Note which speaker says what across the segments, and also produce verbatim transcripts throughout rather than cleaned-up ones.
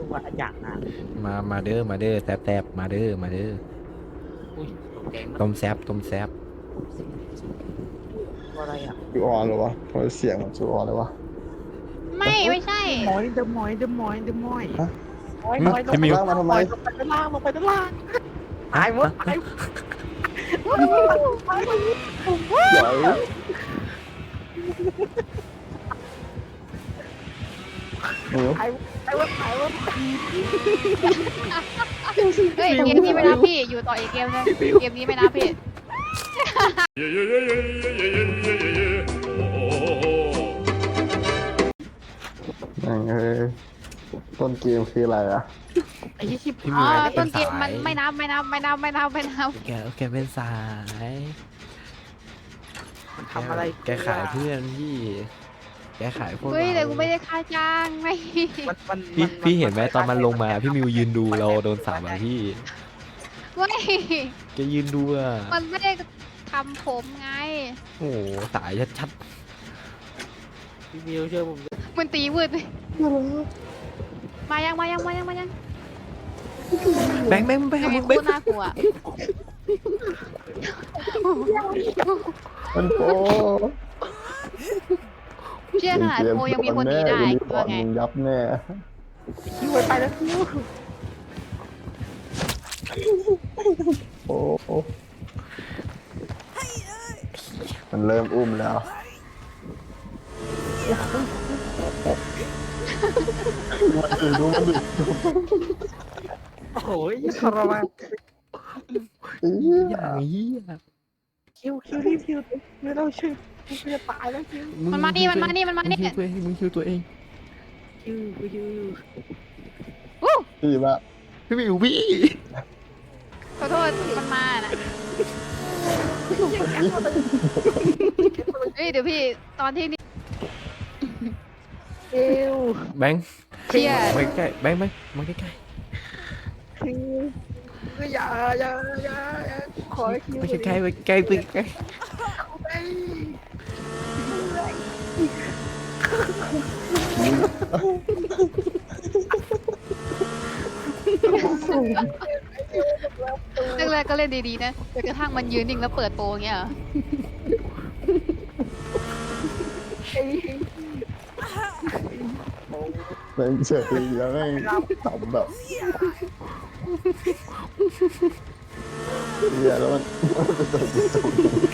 Speaker 1: ว่าอย่างนะ
Speaker 2: มามาเด้อมาเด้อแซบแซบมาเด้อมาเด้อ
Speaker 1: อุ้ยตกใจมาก
Speaker 2: ต้มแซบต้มแซบ
Speaker 1: อะไรอ่ะ
Speaker 3: จูออนเหรอวะทำไมเสียงมันจูออนเลยวะ
Speaker 4: ไม่ไม่ใช่
Speaker 1: หมอยเดอะหมอยเดอะหมอยเดอะหมอย
Speaker 3: ฮะ
Speaker 1: หมอยหมอยลง
Speaker 2: พี่
Speaker 1: ไป
Speaker 2: มิว
Speaker 3: ล่างมาทำไม
Speaker 1: ลงไปด้านล่างลงไปด้านล่างตายหมดตาย
Speaker 3: ใหญ่หนู
Speaker 1: ตายตายหมดตายหมด
Speaker 4: เฮ้ยเกมนี้ไม่นับพี่อยู่ต่ออีกเกมนึงเกมนี้ไม่นับพี่
Speaker 3: นั่งเอ้ยต้นเกมคืออะไรอะ
Speaker 1: ไอ้ยี่สิบ
Speaker 2: พี่
Speaker 4: อ๋
Speaker 2: มิ
Speaker 4: อ
Speaker 2: วเป็
Speaker 4: ต้
Speaker 2: น
Speaker 4: นเก
Speaker 2: สาม
Speaker 4: มัน
Speaker 2: ย
Speaker 4: ไม่นับไม่นับไม่นับไม่นับไม่นับ
Speaker 2: แกแกเป็นสาย
Speaker 1: มันทำอะไร
Speaker 2: แกขายเพื่อนพี่แกขายพวก
Speaker 4: เฮ้ยแต่
Speaker 2: เรา
Speaker 4: กูไม่ได้ค่าจ้างไม่
Speaker 1: มันมัน
Speaker 2: พี่พี่เห็นไหมตอนมันลงมาพี่มิวยืนดูเราโดนสาบอะพี่
Speaker 4: ไม่
Speaker 2: แกยืนดูอะ
Speaker 4: มันไม่ได้ทำผมไง
Speaker 2: โอ้โหสายชัด
Speaker 1: พี่มิวเชื่อผม
Speaker 4: มันตีวืดมายังมายังมายังมายัง
Speaker 2: ๆแบงค์แบงค์แบงค์
Speaker 4: ไอ้
Speaker 2: มึง
Speaker 4: โค
Speaker 2: แบง
Speaker 4: ตร
Speaker 2: ค์
Speaker 4: น่ากลัว
Speaker 3: มันโป
Speaker 4: เชื่อขนาดโคยังมีคนหนีได้
Speaker 3: กู
Speaker 4: ว่าไง
Speaker 3: มึงยับแน่
Speaker 1: คิวไปแล้วคิว
Speaker 3: โอ้มันเริ่มอุ้มแล้วมันดื้อดูมันดื้อ
Speaker 1: โอ้โหทรมาน
Speaker 3: เอี้ย
Speaker 2: อย่างนี้อะ
Speaker 1: คิวคิวรีบคิวไม่ต้องชื่อคิวจะตายแล้วคิว
Speaker 4: มันมานี่มันมานี่มันมานี่
Speaker 2: มึงคิวตัวเองมึงคิวตัวเอง
Speaker 1: คิวคิว
Speaker 4: อู้
Speaker 3: พี่ละ
Speaker 2: พี่มิวพี่
Speaker 4: ขอโทษมันมาน่ะเฮ้ยเดี๋ยวพี่ตอนที่นี่
Speaker 1: คิว
Speaker 2: แบงค์
Speaker 4: เชียร์
Speaker 2: มาใกล้แบงค์แบงค์มาใกล้
Speaker 1: คิวอย่าอย่าอย่าขอคิว
Speaker 2: ๆไปใกล้ๆไปใกล้ไปใกล้
Speaker 4: แรกๆก็เล่นดีๆนะจนกระทั่งมันยืนนิ่งแล้วเปิดโปรอย่างเงี้ยเหรอ
Speaker 3: เป็นเฉยแล้วแม่งทำแบบเหี้ยแล้วมันมันจะตกจะตก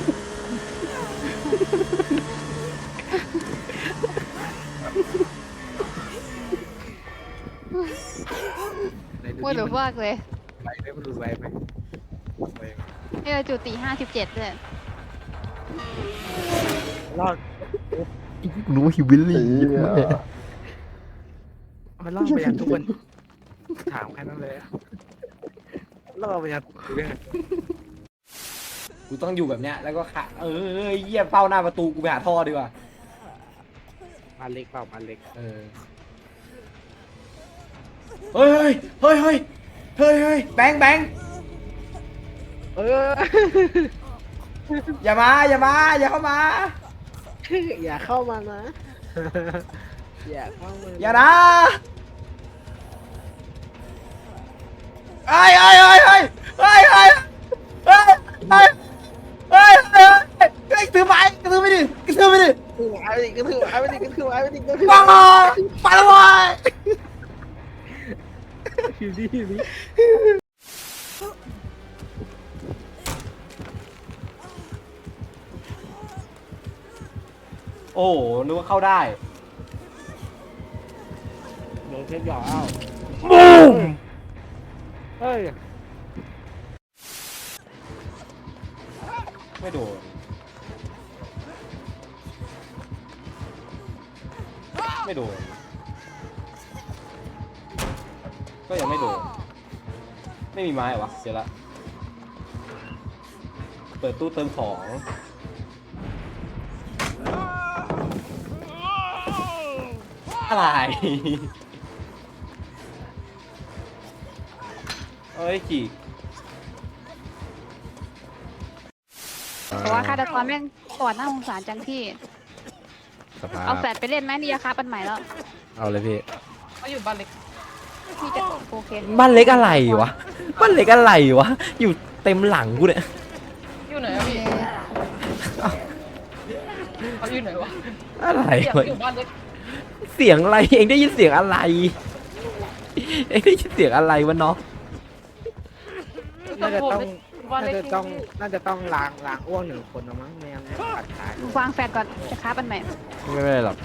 Speaker 4: ว่าเดี๋ยวฟากเลย
Speaker 1: ไปไหมมันดูไปไหม
Speaker 4: นี่เราจุดตีห้าสิบเจ็ดเลย
Speaker 1: รอด
Speaker 2: รู้ว่าฮิวิล
Speaker 3: ไอ้
Speaker 2: ลี่
Speaker 3: เหี้ย
Speaker 1: มันรอดไปอย่างทุกคนถามแค่นั้นเลยรอดไปอย่างเรื่อง
Speaker 2: กูต้องอยู่แบบเนี้ยแล้วก็ขาเออเยี่ยเฝ้าหน้าประตูกูไปหาท่อดีกว่า
Speaker 1: มาเล็กเปล่ามาเล็ก
Speaker 2: เออเฮ้ยเฮ้ยเฮ้ยเฮ้ยเฮ้ยแบงค์แบงค์
Speaker 1: เออ
Speaker 2: อย่ามาอย่ามาอย่าเข้ามา
Speaker 1: อย่าเข้ามานะอย่าเข้ามา
Speaker 2: อย่านะเฮ้ยเฮ้ยเฮ้ยเฮ้ยเฮ้ยเฮ้ยเฮ้ยเฮ้ยเฮ้ยเฮ้ยเฮ้ยถือไม้ถือไปดิถือไปดิ
Speaker 1: ถือไม้ไปดิก็ถือไม้ไปดิก็ถือไม้ไปดิก็ถือ
Speaker 2: ปังไปแล้วเว้ย
Speaker 1: คิวดีคิวดี
Speaker 2: โอ้นึกว่าเข้าได้
Speaker 1: โดนเช็ดหยอกอ้าว
Speaker 2: บูม
Speaker 1: เฮ้ย
Speaker 2: ไม่โดนไม่โดนก็ยังไม่โดนไม่มีไม้เหรอวะเสียละเปิดตู้เติมของอะไร เอ้ยจีก
Speaker 4: แต่ว่าคาตาคอนแม่งปอดหน้าสงสารจังพี่
Speaker 2: สภาพ
Speaker 4: เอาแฟดไปเล่นไหมนี่ราคาปันใหม่แล้ว
Speaker 2: เอาเลยพี่
Speaker 1: เขาอยู่บ้านเล็ก
Speaker 4: พี่จะโอเค
Speaker 2: บ้านเล็กอะไรวะบ้านเล็กอะไรวะอยู่เต็มหลังกูเนี่ย
Speaker 5: อยู่ไหนอะพี่เขาอยู่ไหนวะ
Speaker 2: อะไร
Speaker 5: เสียง
Speaker 2: วะ
Speaker 5: อยู่บ้านเล็ก
Speaker 2: เสียงอะไรเองได้ยินเสียงอะไรเองได้ยินเสียงอะไรวะเนาะ
Speaker 1: น่าจะต้อง
Speaker 5: บ้าน
Speaker 1: น่า
Speaker 5: เล็ก
Speaker 1: จะต้องน่าจะต้องล้างล้างอ้วกหนึ่งคนนะมั้งไม่งั้นตัดขาด
Speaker 4: วางแฟดก่อนจะค้าปันใหม่
Speaker 2: ไม่เป็นไรหรอก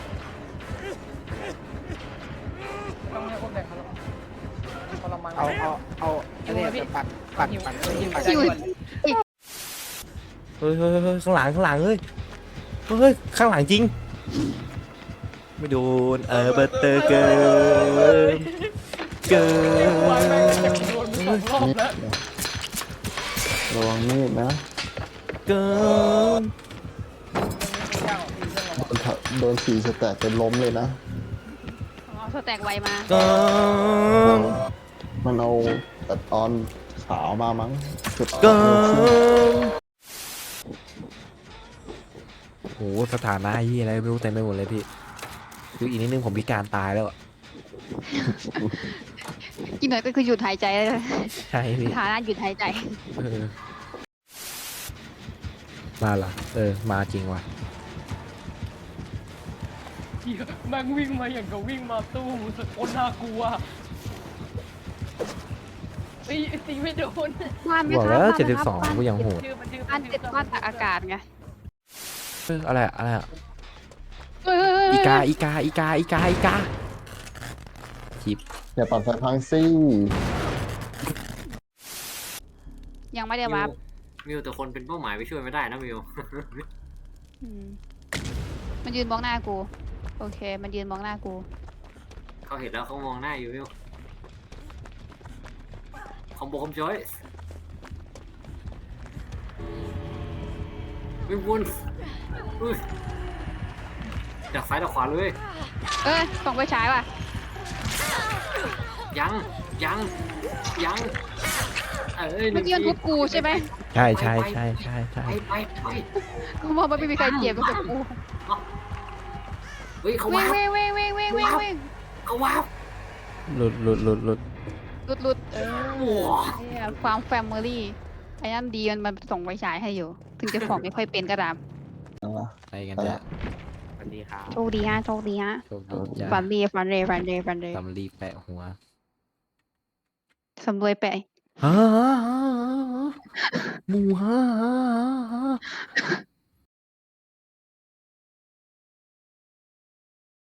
Speaker 5: ต้องให้คนแบ่งเขาหรอกทรมาน
Speaker 1: เอาเอาเอาอันนี้จะปัดปัดปัดปัดปัด
Speaker 4: อยู่
Speaker 2: เฮ้ยเฮ้ยเฮ้ยข้างหลังข้างหลังเฮ้ยเฮ้ยข้างหลังจริงไม่โดนเออเบอร์เตอร์เกินเกิน
Speaker 5: โดนไปสองรอบแล้ว
Speaker 3: ระวังมีดนะ
Speaker 2: เกิน
Speaker 3: โดนทะโดนสีสแตกเป็นล้มเลยนะ
Speaker 4: อ๋อสแต็กไวมา
Speaker 2: เกิน
Speaker 3: มันเอาแต่ตอนขาวมามั้งสุด
Speaker 2: เกินโอ้โหสถานะยี่อะไรไม่รู้เต็มไปหมดเลยพี่คืออีกนิดนึงผมพิการตายแล้วอะ
Speaker 4: กินหน่อยก็คือหยุดหายใจเลย
Speaker 2: ใช่พี่
Speaker 4: ฐานะหยุดหายใจ
Speaker 2: เออมาเหรอเออมาจริงว่ะ
Speaker 5: แม่งวิ่งมาอย่างกับวิ่งมาตู้สุดโคตรน่ากลัวตีตีไม่โดน
Speaker 4: บ้านไหม
Speaker 2: บอก
Speaker 4: ครั
Speaker 2: แล้
Speaker 4: บ
Speaker 2: ว
Speaker 4: บ้าน
Speaker 2: เจ็ด
Speaker 4: ไหม
Speaker 2: สิบ
Speaker 4: ครับ
Speaker 2: สองก็ยังโหด
Speaker 5: ชื่อมันชื่อ
Speaker 4: บ้านติดบ้านตากอากาศไง
Speaker 2: เอออะไรอะอะไรอะ
Speaker 4: เฮ้ยเฮ้ยเฮ้ย
Speaker 2: อีกาอีกาอีกาอีกาอีกาจิบ
Speaker 3: อย่าปัดไฟพังซี่
Speaker 4: ยังไม่ได้วับ
Speaker 6: มิวแต่คนเป็นเป้าหมายไปช่วยไม่ได้นะมิว
Speaker 4: อืมมันยืนมองหน้ากู โอเค มันยืนมองหน้ากู
Speaker 6: เขาเห็นแล้วเขามองหน้าอยู่มิวคอมโบคอมจอยวิ่งวนอุ้ยดักซ้ายดักขวาเลย
Speaker 4: เอ้ยส่องไปฉายว่ะ
Speaker 6: ยังยังยังเอ้ยห
Speaker 4: เมื่
Speaker 6: นึ่
Speaker 4: อง กี้มันทุบกูใช่ไหม
Speaker 2: ใช่ใช่ใช่ใช่ใช่
Speaker 6: ไปไปไป
Speaker 4: กูมองว่าไม่มีใครเจ็บก็กับกู
Speaker 6: เฮ้ยเขา
Speaker 4: วิ่
Speaker 6: ว้าง ว
Speaker 4: วิ่งวิ่งวิ่งวิ่งวิ่งวิ่ง
Speaker 6: เขาว้าว
Speaker 2: หลุดหลุดหลุดหลุด
Speaker 4: หลุดหลุดเออ
Speaker 6: โอ้โห
Speaker 4: เนี่ยความแฟมิลี่ไอ้นั่นดีมันมันส่งไปฉายให้อยู่ ถึงจะส่องไม่ค่อยเป็นก็ตาม
Speaker 2: ไปกันเนี่ย
Speaker 1: สวัสดีครับ
Speaker 4: โชคดีฮะโชคดีฮะ
Speaker 2: โชคดีจ้า
Speaker 4: ฟันดีฟันเรฟันเรฟันเร
Speaker 2: ตำรีแปะหัว
Speaker 4: สำรวยไป
Speaker 2: ฮ่าฮ่าฮ่าฮ่าหมูฮ่าฮ่าฮ่า